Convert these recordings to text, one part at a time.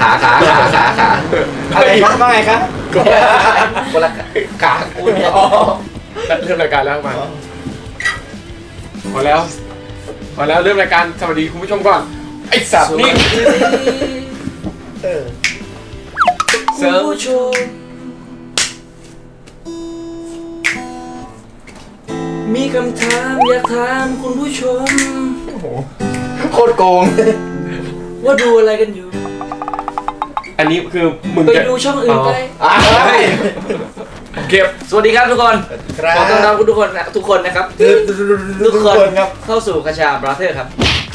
อะไรครับว่าไงครับคนละขากูเนี่ยเริ่มรายการแล้วมาพอแล้วเริ่มรายการสวัสดีคุณผู้ชมก่อนไอ้สัตว์นี่เสริมผู้ชมมีคำถามอยากถามคุณผู้ชมโคตรโกงว่าดูอะไรกันอยู่อันนี้คือมึงไปจะดูช่องอื่นไปเก็บสวัสดีครับทุกคนครับขอต้อนรับทุกคนนะครับทุกคนครับเข้าสู่คาชาบราเธอร์ครับ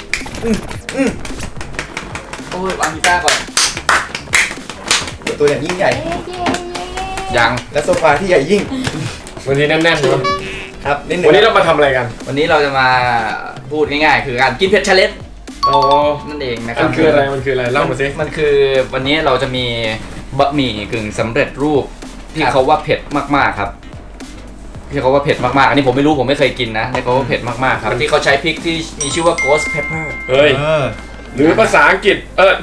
โอ้ยวางกีตาร์ก่อนตัวอย่างยิ่งใหญ่ยังและโซฟาที่ใหญ่ยิ่งวันนี้แน่นๆเลยครับนิดนึงวันนี้เรามาทำอะไรกันวันนี้เราจะมาพูดง่ายๆคือการกินเผ็ดชาเลนจ์อ๋อนั่นเองนะครัมันคืออะไรเล่ามาสิมันคือวันนี้เราจะมีบะหมี่กึ่งสำเร็จรูปที่เขาว่าเผ็ดมากๆครับที่เขาว่าเผ็ดมากๆอันนี้ผมไม่รู้ผมไม่เคยกินนะในเขาว่าเผ็ดมากๆครับที่เขาใช้พริกที่มีชื่อว่า ghost pepper เฮ้ยหรือภาษาอังกฤษ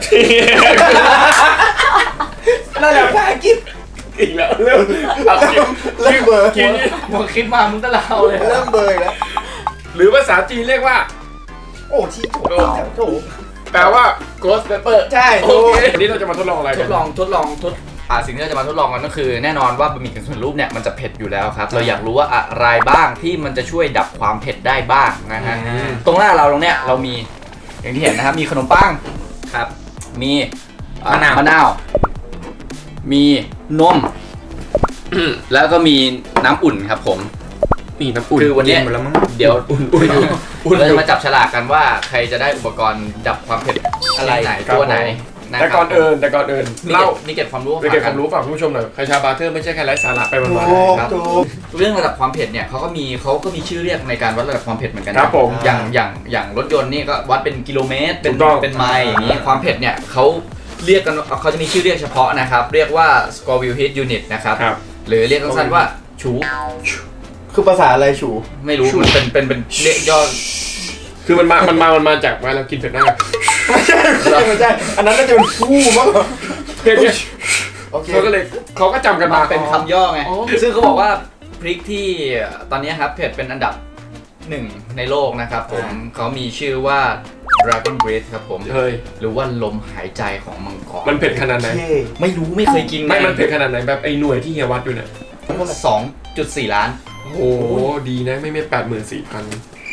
นั่นแหละภาษาอังกฤษอีกแล้วเริ่มเบอร์กินมึงคิดมามึงตะเลาเลยเริ่มเบอร์แล้วหรือภาษาจีนเรียกว่าโอ้ที่ถูกแปลว่า ghost pepper ใช่โอเควันนี้เราจะมาทดลองอะไรทกันดลองสิ่งที่เราจะมาทดลองกันก็คือแน่นอนว่าบะหมี่กึ่งสำเร็จรูปเนี่ยมันจะเผ็ดอยู่แล้วครับเราอยากรู้ว่าอะไรบ้างที่มันจะช่วยดับความเผ็ดได้บ้างนะฮะตรงหน้าเราตรงเนี้ยเรามีอย่างที่เห็นนะครับมีขนมปังครับมีมะนาวมีนมแล้วก็มีน้ำอุ่นครับผมนี่น้ำอุ่นคือวันนี้กิหมดแล้วมั้งเดี๋ยวอุ่นเราจะมาจับฉลากกันว่าใครจะได้อุปกรณ์ดับความเผ็ดอะไรไหนตัวไหนนะแต่คก่รัอนอื่นนี่เล่าเก็บความรู้ไปเก็บความรู้ฝากคุณผู้ชมหน่อยคาชาบาร์เทอร์ไม่ใช่แค่ไร้สาระไปวันครับเรื่องระดับความเผ็ดเนี่ยเขาก็มีชื่อเรียกในการวัดระดับความเผ็ดเหมือนกันๆครับผมอย่างรถยนต์นี่ก็วัดเป็นกิโลเมตรถูกต้องเป็นไมล์อย่างนี้ความเผ็ดเนี่ยเขาเรียกกันเขาจะมีชื่อเรียกเฉพาะนะครับเรียกว่า Scoville Heat Unit นะครับครับหรือเรียกสั้นๆว่าชูคือภาษาอะไรชูไม่รู้มันเป็นเรียกย่อคือมันมาจากเวลาเรากินเผ็ดมากไม่ใช่อันนั้นน่าจะเป็นฟูมากกว่าเผ็ดเนี่ยโอเคเขาก็จำกันมาเป็นคำย่อไงอ๋อซึ่งเขาบอกว่าพริกที่ตอนนี้ครับเผ็ดเป็นอันดับหนึ่งในโลกนะครับผมเขามีชื่อว่า Dragon Breath ครับผมเฮ้ยหรือว่าลมหายใจของมังกรมันเผ็ดขนาดไหนไม่รู้ไม่เคยกินไม่มันเผ็ดขนาดไหนแบบไอ้หน่วยที่เฮียวัดอยู่เนี่ย 2.4 ล้านโอ้โหดีนะไม่84,000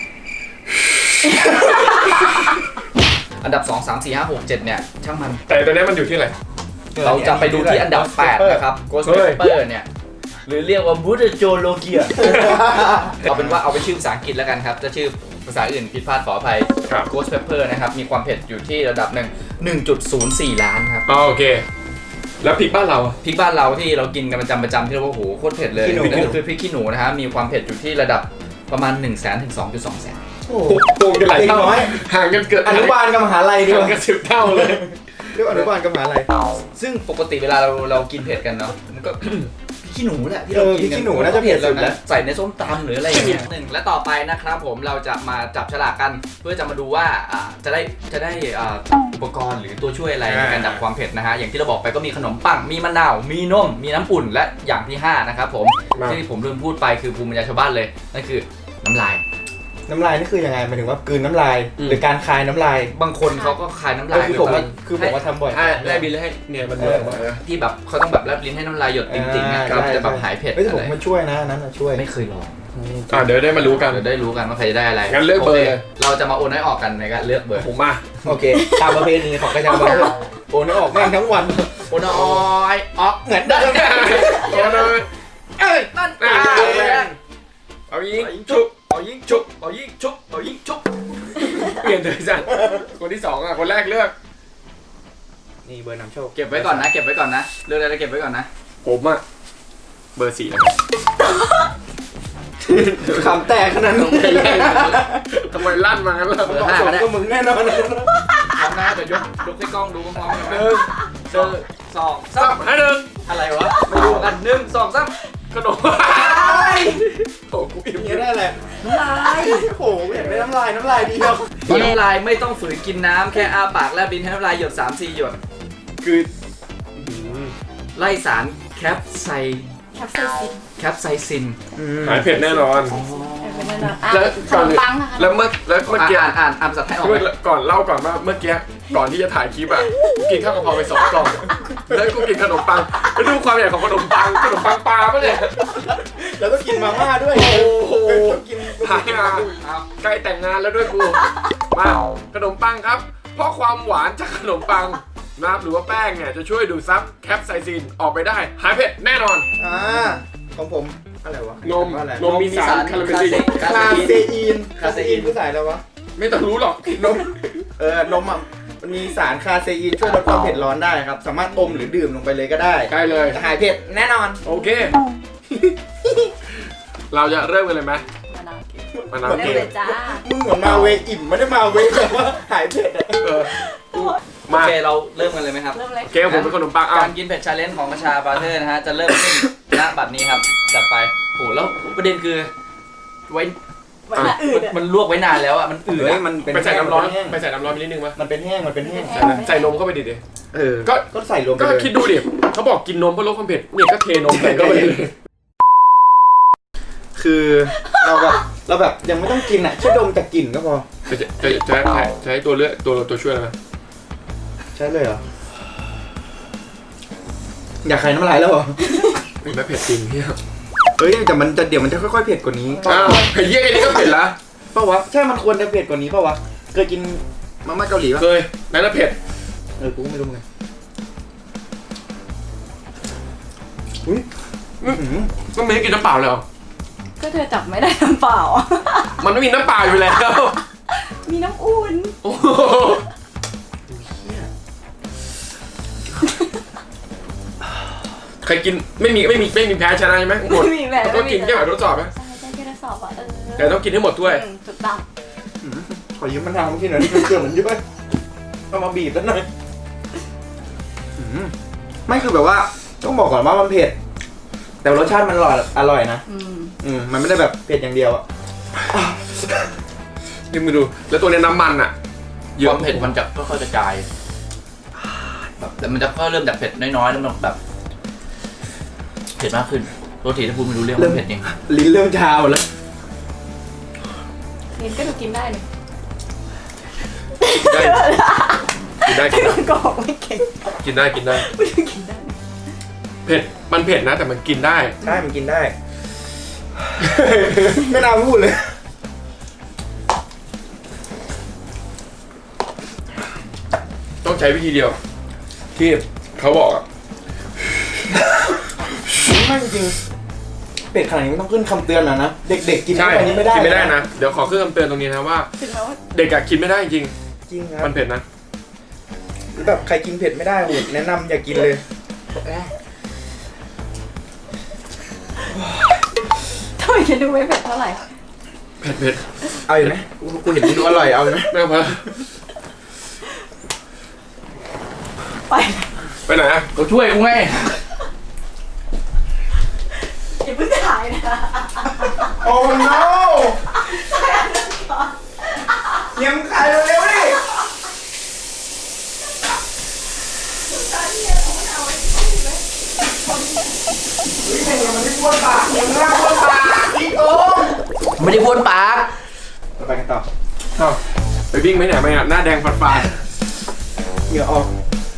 อันดับ 2 3 4 5 6 7 เนี่ยช่างมันแต่ตอนนี้มันอยู่ที่อะไรเราจะไปดูที่อันดับ 8 นะครับ Ghost เฮ้ย Pepper เนี่ย หรือเรียกว่า Buddha j o l o g i a เอาเป็นว่าเอาไปชื่อภาษาอังกฤษแล้วกันครับ จะชื่อภาษาอื่นผิดพลาดขออภัยครับ Ghost Pepper นะครับ มีความเผ็ดอยู่ที่ระดับ 1.04 ล้านครับอ๋อโอเค แล้วพริกบ้านเราอะพริกบ้านเราที่เรากินกันประจำที่เราว่าโหโคตรเผ็ดเลยขี้หนูนั่นก็คือพริกขี้หนูนะฮะมีความเผ็ดอยู่ที่ระดับประมาณ 1 0 0 0 0 0 ถึง 2.2 แสนโอ้โกงกันหลายเท่าเด็กน้อยห่างกันเกิดอนุบาลกับมหาลัยดีกห่างว่ากัน10 เท่าเลยเรียกว่าอนุบาลกับมหาลัยซึ่งปกติเวลาเรากินเผ็ดกันเนาะมันก็ พริกขี้หนูแหละที่เรากินพริกขี้หนูน่าจะเผ็ดสุดแล้วใส่ในส้มตำหรืออะไรอย่างเงี้ยหนึ่งและต่อไปนะครับผมเราจะมาจับฉลากกันเพื่อจะมาดูว่าจะได้อุปกรณ์หรือตัวช่วยอะไรในการดับความเผ็ดนะฮะอย่างที่เราบอกไปก็มีขนมปังมีมะนาวมีนมมีน้ำอุ่นและอย่างที่5นะครับผมมาที่ผมลืมพูดไปคือภูมิปัญญาชาวบ้านเลยนั่นคือน้ำลายน้ำลายนี่คือยังไงหมายถึงว่ากลืนน้ำลาย หรือการคายน้ำลายบางคนเขาก็คายน้ำลายคือผมว่าทำบ่อยแลบบินเลยให้เนี่ยมันเดือดมานะที่แบบเขาต้องแบบแลบลิ้นให้น้ำลายหยดจริงๆนะใช่มันจะแบบหายเผ็ดเฮ้ยแต่ผมอะไรมันช่วยนะอันนั้นช่วยไม่เคยลองเดี๋ยวได้มารู้กันเดี๋ยวได้รู้กันว่าใครจะได้อะไรงั้นเลือกเบอร์เลยเราจะมาโอนให้ออกกันในการเลือกเบอร์ผมมาโอเคตามประเพณีของกระชาบาร์โอนออกแม่งทั้งวันโอนอยออกเหมือนเดิมเอาเลยเอ้ยนั่นเอายิงชุบเอายิงชุบเอายิงชุบเอายิงชุบเปลี่ยนเลยจ้ะคนที่สองอ่ะคนแรกเลือกนี่เบอร์นำโชคเก็บไว้ก่อนนะเก็บไว้ก่อนนะเลือกอะไรเก็บไว้ก่อนนะผมอ่ะเบอร์ 4นะครับขำแตกขนาดนั้นทำไมลั่นมางั้นล่ะเบอร์ 5 ก็ได้ก็มึงแน่นอนพร้อมนะเดี๋ยวยกให้กล้องดูพร้อมๆกันหนะนึ่งเจอสองสามให้หนึ่งอะไรวะไม่รู้เหมือนกัน1 2 3 ขนมโอ้กูอิ่มนี่ได้แหละน้ำลายโอ้โหอยากได้น้ำลายเดียวน้ำลายไม่ต้องฝืนกินน้ำแค่อ้าปากแลบลิ้นให้น้ำลายหยด3-4 หยดคืคือไล่สารแคปไซแคปไซซินแคปไซซินหายเผ็ดแน่นอนเป็นแน่นอนแล้วขนมปังนะคะแล้วเมื่อกี้อ่านภาษาไทยออกไหมก่อนเล่าก่อนว่าเมื่อกี้ก่อนที่จะถ่ายคลิปอ่ะกูกินข้าวกะเพราไป2 กล่องแล้วกูกินขนมปังแล้วดูความใหญ่ของขนมปังปลาปะเนี่ยแล้วก็กินมาม่าด้วยโอ้โหกินหายงานใกล้แต่งงานแล้วด้วยกูมาขนมปังครับ เพราะความหวานจากขนมปังนะครับหรือว่าแป้งเนี่ยจะช่วยดูดซับแคปไซซินออกไปได้หายเผ็ดแน่นอนของผมอะไรวะนมว่าอะไรนมมีสารคาราเมลซินคาเซอีนคือสายแล้ววะไม่ต้องรู้หรอกนมนมอ่ะมันมีสารคาเซอีนช่วยลดความเผ็ดร้อนได้ครับ สามารถอมหรือดื่มลงไปเลยก็ได้ได้เลยหายเผ็ดแน่นอนโอเค เราจะเริ่มกันเลยไหมมะนาวเก็บมะนาวเริ่มเกเลมยจ้ามึงเหมือนมาเวอิ่มไม่ได้มาเวแบบว่าหายเผ็ดอะเออโอมาเคเราเริ่มกันเลยไหมครับเริ่มเลยเกมผมเป็นขนมปังอ่ะการกินเผ็ดชาเลนจ์ของประชาบราเธอร์นะฮะจะเริ่มขึ้น ณบัดนี้ครับจัดไปโหแล้วประเด็นคือไว้ไว้หน้าอื่นอะมันลวกไว้นานแล้วอ่ะมันอืดเฮ้ยอะมันเป็นไปใส่น้ำร้อนแห้งไปใส่น้ำร้อนไปนิดนึงมั้ยมันเป็นแห้งมันเป็นแห้งใส่นมเข้าไปดิ ก็ก็ใส่รวมไปก็เลยคิดดูดิเขาบอกกินนมเพื่อลดความเผ็ดเนี่ยก็เทนมใส่เข้าไปเลยคือเราแบบยังไม่ต้องกินอ่ะแค่ดมแต่กลิ่นก็พอจะให้ตัวเลือกตัวช่วยอะไรไหมใช่เลยเหรออยากใครน้ำลายแล้วเหรอไม่เผ็ดจริงเฮียเฮ้ยแต่มันจะเดี๋ยวมันจะค่อยๆเผ็ดกว่านี้อ้าวไอ้เหี้ยไอ้นี่ก็เผ็ดละเปล่าวะใช่มันควรจะเผ็ดกว่านี้เปล่าวะเคยกินมาม่าเกาหลีปะเคยนั่นน่ะเผ็ดกูก็ไม่รู้ไงอุ้ยก็ไม่ได้กินน้ำเปล่าเลยเหรอก็เธอจับไม่ได้น้ำเปล่ามันไม่มีน้ำเปล่าอยู่แล้วมีน้ำอุ่นโอ้โหใครกินไม่มีแพ้ชนะใช่ไหมหมดไม่มีแบบก็กินแค่แบบทดสอบไหมใช่แค่ทดสอบอ่ะแต่ต้องกินให้หมดด้วยถูกต้องขอยืมมันทำกินหน่อยที่มันเกลือมันเยอะเอามาบีบแล้วหน่อยไม่คือแบบว่าต้องบอกก่อนว่ามันเผ็ดแต่รสชาติมันอร่อยนะมันไม่ได้แบบเผ็ดอย่างเดียวอะนี่มึงดูแล้วตัวเนี้ยน้ำมันอ่ะความเผ็ดมันจะค่อยๆกระจายแบบแต่มันจะค่อยเริ่มจากเผ็ดน้อยๆแล้วมันแบบเผ็ดมากขึ้นโรตีถ้าพูดไม่รู้เรื่องมันเผ็ดจริงลิ้นเริ่มชาหมดแล้วกินก็ดูกินได้เลยได้ที่มันก็บอกไม่เก่งกินได้ไม่ดูกินได้เผ็ดมันเผ็ดนะแต่มันกินได้ได้มันกินได้ ไม่น่าพูดเลยต้องใช้วิธีเดียว ที่เขาบอกอ่ะไม่จริงเป็ดขนาดนี้ไม่ต้องขึ้นคำเตือนนะนะเด็กๆกินใช่แบบนี้ไม่ได้กินไม่ได้นะเดี๋ยวขอขึ้นคำเตือนตรงนี้นะว่าถึงแม้ว่าเด็กอะกินไม่ได้จริงจริงครัมับนเผ็ดนะแบบใครกินเผ็ดไม่ได้โหแนะนำอย่ากินเลยทำไมจะดูไม่เผ็ดเท่าไหร่เผ็ดเอาอยู่ไหมกูเห็นมึงดูอร่อยเอาอยู่ไหมไม่เอาไปไปไปไหนอะเขาช่วยกูไงอย่าเพิ่งถ่ายนะโอ้ no ยังขายเร็วๆดิมันไม่บ้วนปากยังไม่บ้วนปากอีกโอ้ไม่ได้บ้วนปากไปกันต่ออ้าวไปวิ่งไหมเนี่ยไม่อะหน้าแดงฝาดเหงื่อออก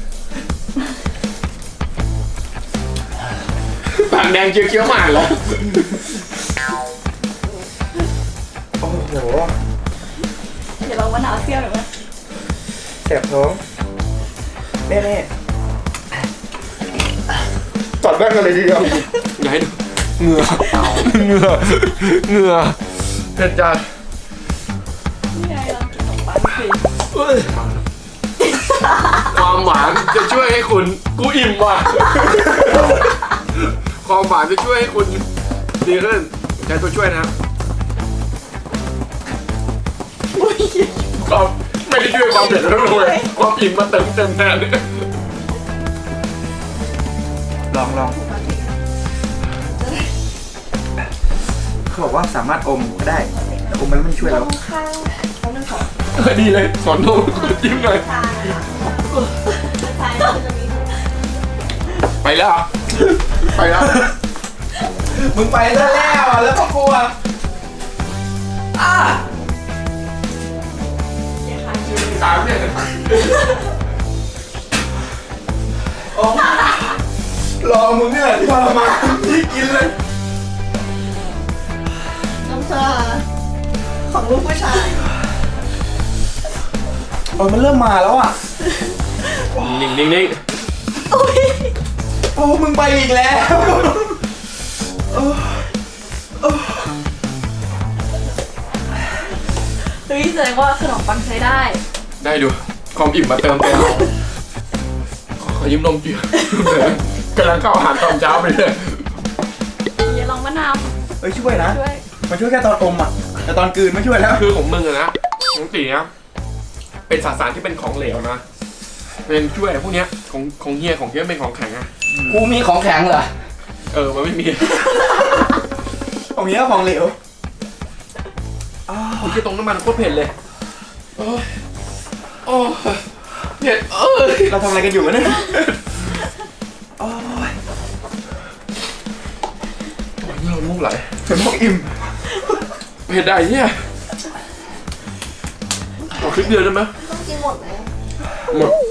ปากแดงเคี้ยวๆหมาแล้วโอ้โหเดี๋ยวเรามะนาวเซี่ยวหน่อยไหมแสบท้องแน่ๆตัดแว่นกันเลยทีเดียวอย่าให้ดูเหงื่อเผ็ดจัดนี่ไงเรากินขนมปังสิความหวานจะช่วยให้คุณกูอิ่มว่ะความหวานจะช่วยให้คุณดีขึ้นใช้ตัวช่วยนะครับความไม่ได้ช่วยความเผ็ดแล้วเลยความอิ่มมาเติมแทนเลยลองเขาบอกว่าสามารถอมก็ได้แต่อมแล้วมันช่วยเราข้างเขาเรื่องของดีเลยสอนโน้ตจิ้มหน่อยทางนะคะทางมันจะมีถุงแล้วเหรอไปแล้วมึงไปซะแล้วอ่ะแล้วก็กลัวสามเนี่ยรอมึงเนี่ยที่ทรมานที่กินเลยน้ำชาของลูกผู้ชายโอ้ยมันเริ่มมาแล้วอ่ะนิ่งโอ้มึงไปอีกแล้วเฮ้ยแสดงว่าขนมปังใช้ได้ได้ดูความอิ่มมาเติมเต็มขอยิ้มนมจีกำลังเข้าอาหารตอนเช้าไปเลยอย่าลองมะนาวเฮ้ยช่วยนะช่วยมันช่วยแค่ตอนอมอ่ะแต่ตอนกลืนไม่ช่วยแล้วคือของมึงอะนะของตีนะเป็นสารที่เป็นของเหลวนะเป็นช่วยพวกเนี้ยของเฮียของเฮียเป็นของแข็งอะกูมีของแข็งเหรอมันไม่มีของนี้ก็ของเหลวโอ้ยตรงน้ำมันโคตรเผ็ดเลยโอ้เผ็ดเราทำอะไรกันอยู่วะเนี่ยโอ้ยเรามุกไหลเป็นพวกอิ่มเผ็ดได้เนี่ยขอคลิปเดียวได้ไหมต้องกินหมดไหมหมด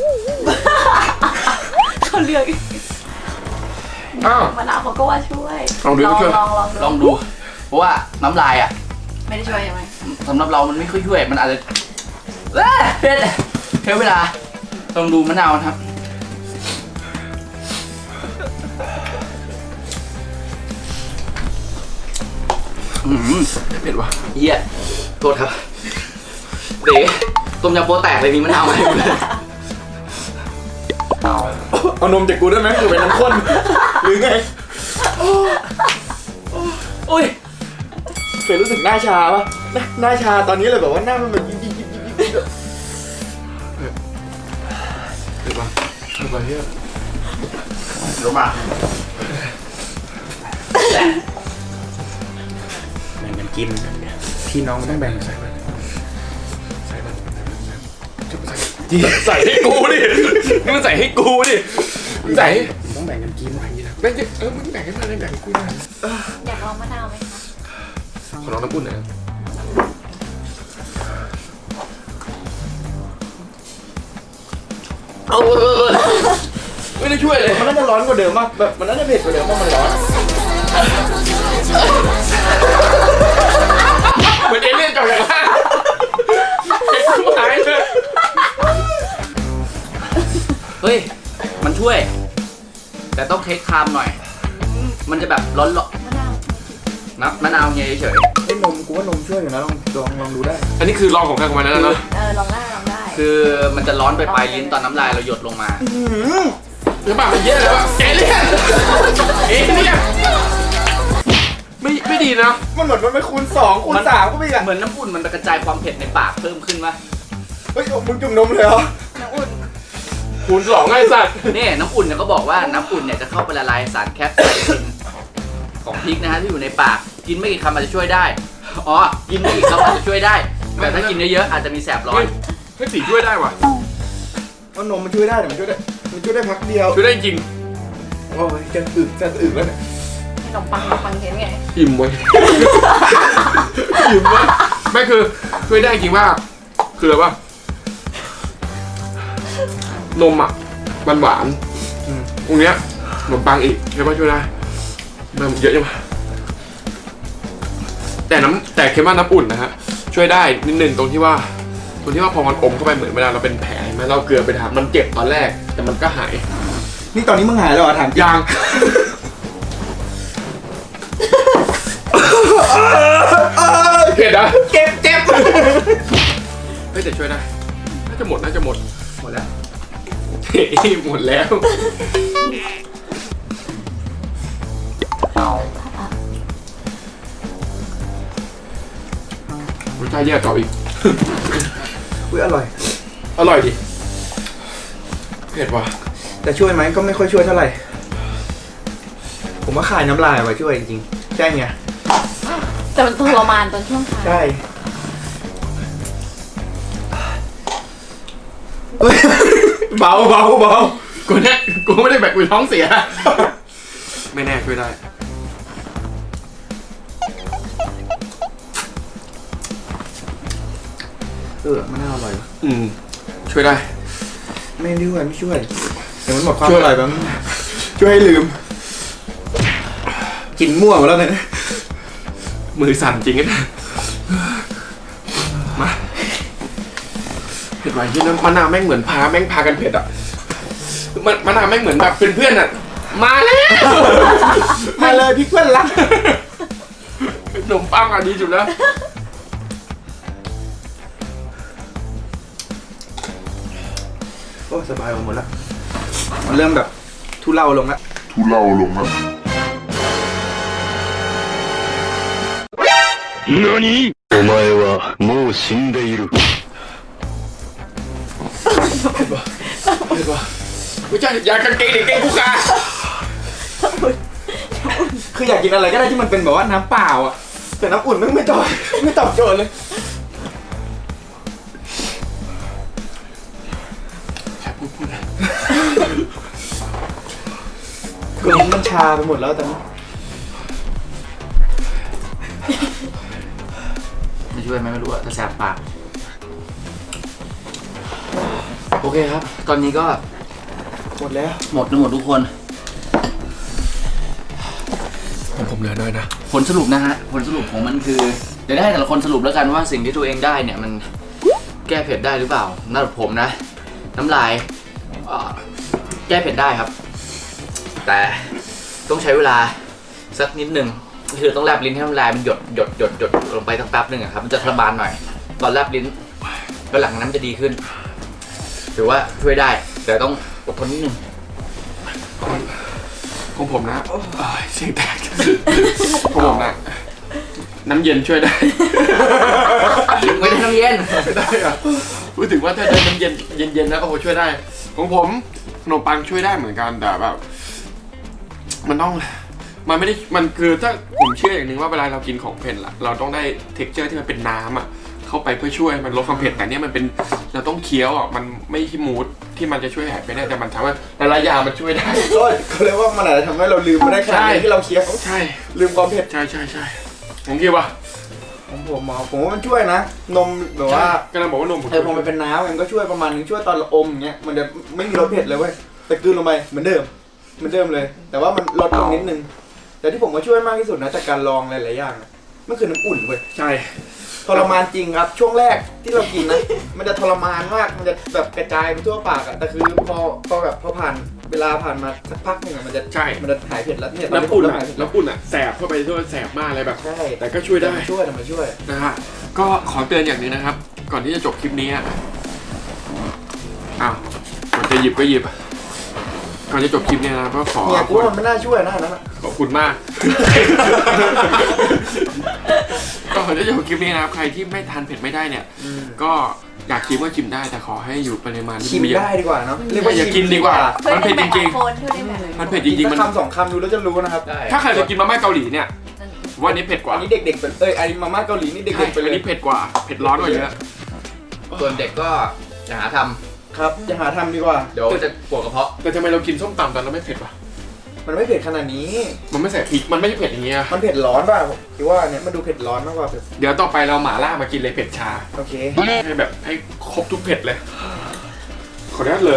เขาเลือกอ้าวมะนาวเขาก็ว่าช่วยลองดูก็ช่วยลองดู เพราะว่าน้ำลายอ่ะไม่ได้ช่วยใช่ไหมสำหรับเรามันไม่ค่อยช่วย มันอาจจะเผ็ดใช้เวลาลองดูมะนาวนะครับเผ็ดว่ะเหี้ยโทษครับเด๋ต้มยำโป๊แตกเลยมีมะนาวไหมเอานมจากกูได้ไหมกูเป็นน้ำข้นหรือไงโอ้ยเคยรู้สึกหน้าชาปะหน้าชาตอนนี้เลยแบบว่าหน้ามันแบบยิบเผ็ดว่ะเผ็ดว่ะเฮียรู้มาแบ่งกันกินพี่น้องต้องแบ่งกันใส่ใส่ให้กูดินี่มันใส่ให้กูดิมึงใส่ให้ต้องแบ่งกันกินแบ่งดิมึงแบ่งให้มันเลยแบ่งให้กูนะอยากลองมะนาวไหมคะขอลองน้ำอุ่นหน่อยนะไม่ได้ช่วยเลยมันน่าจะร้อนกว่าเดิมมากแบบมันน่าจะเผ็ดกว่าเดิมเพราะมันร้อนเหมือนเอเลี่ยนจอดอย่างนั้นเผ็ดกูหายเลยเฮ้ย มันช่วย แต่ต้องเทคไทม์หน่อย มันจะแบบร้อนมะนาวๆนะมะนาวเงี้ยเฉยไอ้นมกูว่านมช่วยอยู่นะลองดูได้อันนี้คือลองของใครของมันแล้วนะลองได้ลองได้ๆคือมันจะร้อนไปปลายลิ้นตอนน้ำลายเราหยดลงมาหรือเปล่ามันเยอะแล้วเอเลี่ยนเอเลี่ยนไม่ดีนะมันเหมือนมันไปคูณ2คูณ3ก็ไม่อ่ะเหมือนน้ำอุ่นมันกระจายความเผ็ดในปากเพิ่มขึ้นวะเฮ้ยมึงจุ่มนมเลยเหรอน้ำอุ่นคูณ2ไงสัตว์นี่น้ำอุ่นเนี่ยก็บอกว่าน้ำอุ่นเนี่ยจะเข้าไปละลายสารแคปไซซินของพริกนะฮะที่อยู่ในปาก กินไม่กี่คำอาจจะช่วยได้ อ๋อ กินไม่กี่คำอาจจะช่วยได้ แต่ถ้ากินเยอะๆอาจจะมีแสบร้อนเฮ้ยสีช่วยได้ว่ะว่านมมันช่วยได้แต่มันช่วยได้พักเดียวช่วยได้จริงโอ้ยจะอึแล้วเนี่ยขนมปังเห็นไงอิ่มเว้ยอิ่มเว้ยไม่คือช่วยได้จริงว่าคืออะไรวะนมอ่ะมันหวานตรงเนี้ยขนมปังอีกใช่ป่ะช่วยได้มันเยอะจังวะแต่เค็มว่าน้ำอุ่นนะฮะช่วยได้นิดนึงตรงที่ว่าพอมันอมเข้าไปเหมือนเวลาเราเป็นแผลใช่ไหมเราเกลือไปทำมันเจ็บตอนแรกแต่มันก็หายนี่ตอนนี้มึงหายแล้วเหรอถามจริงยางเผ็ดอ่ะเจ็บเฮ้ยแต่ช่วยได้น่าจะหมดหมดแล้วหมดแล้วรสชาติแย่ต่ออีกอุ้ยอร่อยอร่อยดิเผ็ดว่ะแต่ช่วยไหมก็ไม่ค่อยช่วยเท่าไหร่ ผมว่าคายน้ำลายไว้ช่วยจริงๆใช่ไงแต่มันทรมานตอนช่วงท้ายใช่เฮ้ยเบากูเนี่ยกูไม่ได้แบบกูท้องเสีย ไม่แน่ช่วยได้มันน่าอร่อยช่วยได้ไม่ด้วยไม่ช่วยแต่มันหมดความอร่อยแบบช่วยให้ลืมกินมั่วหมดแล้วเนี่ยมือสั่นจริงนะมาเผ็ดไหวที่นั่นมะนาวแม่งเหมือนพาแม่งพากันเผ็ดอ่ะมะนาวแม่งเหมือนแบบเป็นเพื่อนอ่ะมาแล้วมาเลยพี่เพื่อนรักขนมปังอ่ะดีสุดแล้วโอ้สบายหมดแล้วมันเริ่มแบบทุเลาลงแล้ว何お前はもう死んでいる。 ไม่ใช่ยากางเกงเด็กเกงกูค่ะคืออยากกินอะไรก็ได้ที่มันเป็นแบบว่าน้ำเปล่าอ่ะแต่น้ำอุ่นไม่ตอบโจทย์เลยคือลิ้นมันชาไปหมดแล้วตอนนี้ไม่ช่วยไหมไม่รู้อะแต่แสบปากโอเคครับ ตอนนี้ก็หมดแล้วหมดทุกคนผมเหลือน้อยนะผลสรุปนะฮะผลสรุปของมันคือเดี๋ยวให้แต่ละคนสรุปแล้วกันว่าสิ่งที่ตัวเองได้เนี่ยมันแก้เผ็ดได้หรือเปล่าสำหรับผมนะ น้ำลายแก้เผ็ดได้ครับ แต่ต้องใช้เวลาสักนิดหนึ่งคือต้องแลบลิ้นให้น้ำลายมันหยดลงไปสักแป๊บหนึ่งอะครับมันจะทรมานหน่อยตอนแลบลิ้นแล้วหลังนั้นจะดีขึ้นถือว่าช่วยได้แต่ต้องอดทนนิดนึงของผมนะเสียงแตกของผมนะน้ำเย็นช่วยได้ไม่ได้น้ำเย็นไม่ได้อะพูดถึงว่าถ้าได้น้ำเย็นแล้วโอ้โหช่วยได้ของผมขนมปังช่วยได้เหมือนกันแต่แบบมันไม่ได้มันคือถ้าผมเชื่ออย่างหนึ่งว่าเวลาเรากินของเผ็ดละเราต้องได้เท็กเจอร์ที่มันเป็นน้ำอ่ะเข้าไปเพื่อช่วยมันลดความเผ็ดแต่เนี้ยมันเป็นเราต้องเคี้ยวอ่ะมันไม่ที่มูดที่มันจะช่วยหายไปได้แต่มันทำให้หลายๆอย่างมันช่วยได้ก็เขาเรียกว่ามันอาจจะทำให้เราลืมไม่ได้ขนาดนี้ที่เราเคี้ยวใช่ลืมความเผ็ดใช่ผมคิดว่าของผมผมว่ามันช่วยนะนมแบบว่ากำลังบอกว่านมผมพอมันเป็นน้ำมันก็ช่วยประมาณนึงช่วยตอนเราอมอย่างเงี้ยมันจะไม่มีรสเผ็ดเลยเว้ยแต่กลืนลงไปเหมือนเดิมเลย แต่ว่ามันลดลงนิดนึงแต่ที่ผมว่าช่วยมากที่สุดนะจากการลองหลายๆอย่างนะมันคือน้ำอุ่นเว้ยใช่ทรมานจริงครับช่วงแรกที่เรากินนะ มันจะทรมานมากมันจะแบบกระจายไปทั่วปากอะแต่คือพอแบบพอผ่านเวลาผ่านมาสักพักหนึงอะมันจะหายเผ็ดแล้วเนี่ยน้ำอุ่นเริ่มอะหายเผ็ดน้ำอุ่นอะแสบเข้าไปด้วยแสบมากเลยแบบใช่แต่ก็ช่วยได้แต่มันช่วยนะฮะก็ขอเตือนอย่างหนึงนะครับ ก่อนที่จะจบคลิปนี้อะอ้าวก่อนจะหยิบก็หยิบก่อนจะจบคลิปนี้นะก็ขอเนี่ยกูว่ามันไม่น่าช่วยนะอันนั้นอะขอบคุณมาก ก็ก่อนที่จะจบคลิปนี้นะครับใครที่ไม่ทานเผ็ดไม่ได้เนี่ย ก็อยากชิมก็ชิมได้แต่ขอให้อยู่ปริมาณที่ชิมไม่เยอะได้ดีกว่าเนาะอย่ากินดีกว่าช่วยมันได้เผ็ดแบจบริงคนช่วยได้แบบๆมันเผ็ดจกิรินงๆมันคำสองคำดูแล้วจะรู้นะครับได้ถ้าใครเคยกินมาม่าเกาหลีเนี่ยว่าอันนี้เผ็ดกว่าอันนี้เด็กๆเป็นอันนี้มาม่าเกาหลีนี่ใช่เด็กๆไปเลอันยนี้เผ็ดกว่าเผ็ดร้อนกว่าเยอะส่วนเด็กก็อย่าหาทครับอย่าหาทำดีกว่าำเดี๋ยวจะปวดกระเพาะแต่ทำไมเรากินส้มตำตอนเราไม่เผ็ดวะมันไม่เผ็ดขนาดนี้มันไม่ใส่พริกมันไม่ใช่เผ็ดอย่างเงี้ยมันเผ็ดร้อนป่ะผมคิดว่าเนี่ยมันดูเผ็ดร้อนมากกว่าเผ็ดเดี๋ยวต่อไปเราหม่าล่ามากินเลยเผ็ดชาโอเคให้แบบให้ครบทุกเผ็ดเลย ขออนุญาตเลย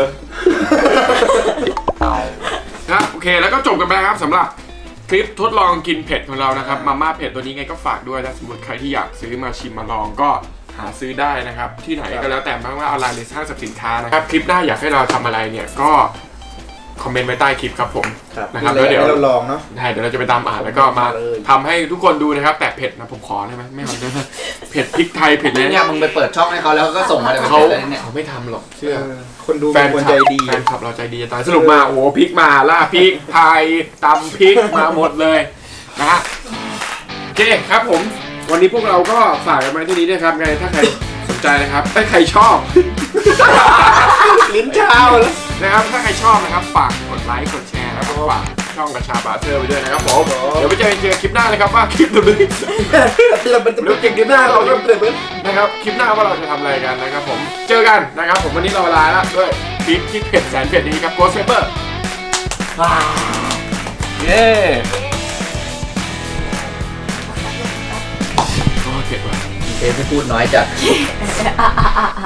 นะโอเคแล้วก็จบกันไปแล้วครับสำหรับคลิปทดลองกินเผ็ดของเรานะครับมาม่าเผ็ดตัวนี้ไงก็ฝากด้วยถ้าสมมติใครที่อยากซื้อมาชิมมาลองก็หาซื้อได้นะครับที่ไหนก็แล้วแต่ไม่ว่าออนไลน์หรือห้างสรรพสินค้านะครับคลิปหน้าอยากให้เราทำอะไรเนี่ยก็คอมเมนต์ไว้ใต้คลิปครับผมครับนะครับมีแล้วอะไรเดี๋ยวให้เราลองเนาะได้เดี๋ยวเราจะไปตามอ่านแล้วก็มาเลยทำให้ทุกคนดูนะครับแต่เผ็ดนะผมขอได้ไหมไม่เอาได้ไหมเผ็ดพริกไทยเผ็ดเลยเนี่ยมึงไปเปิดช่องให้เขาแล้วก็ส่งมาเดี๋ยวเขาเป็นอะไรเนี่ยเขาไม่ทำหรอกเชื่อคนดูแฟเป็น นคนใจดีแฟนคลับเราใจดีจะตายสรุปมาโอ้โหพริกมาล่าพริกไทยตำพริกมาหมดเลยนะฮะโอเคครับผมวันนี้พวกเราก็ฝากกันมาที่นี้ด้วยครับไงถ้าใครสนใจนะครับถ้าใครชอบลิ้นชาแล้วนะครับถ้าใครชอบนะครับฝากกดไลค์กดแชร์แล้วก็ฝากช่องกระชาบาเทอร์ไปด้วยนะครับผมเดี๋ยวไปเจอกันคลิปหน้าเลยครับว่าคลิปตัวนี้เราเป็นตัวเก่งดีหน้าเราก็เปิดนะครับคลิปหน้าว่าเราจะทำอะไรกันนะครับผมเจอกันนะครับผมวันนี้เราลาแล้วด้วยพริกที่เผ็ดแสนเผ็ดนี้ครับโกสเปเปอร์เย้โอ้เผ็ดว่ะเชฟที่พูดน้อยจัด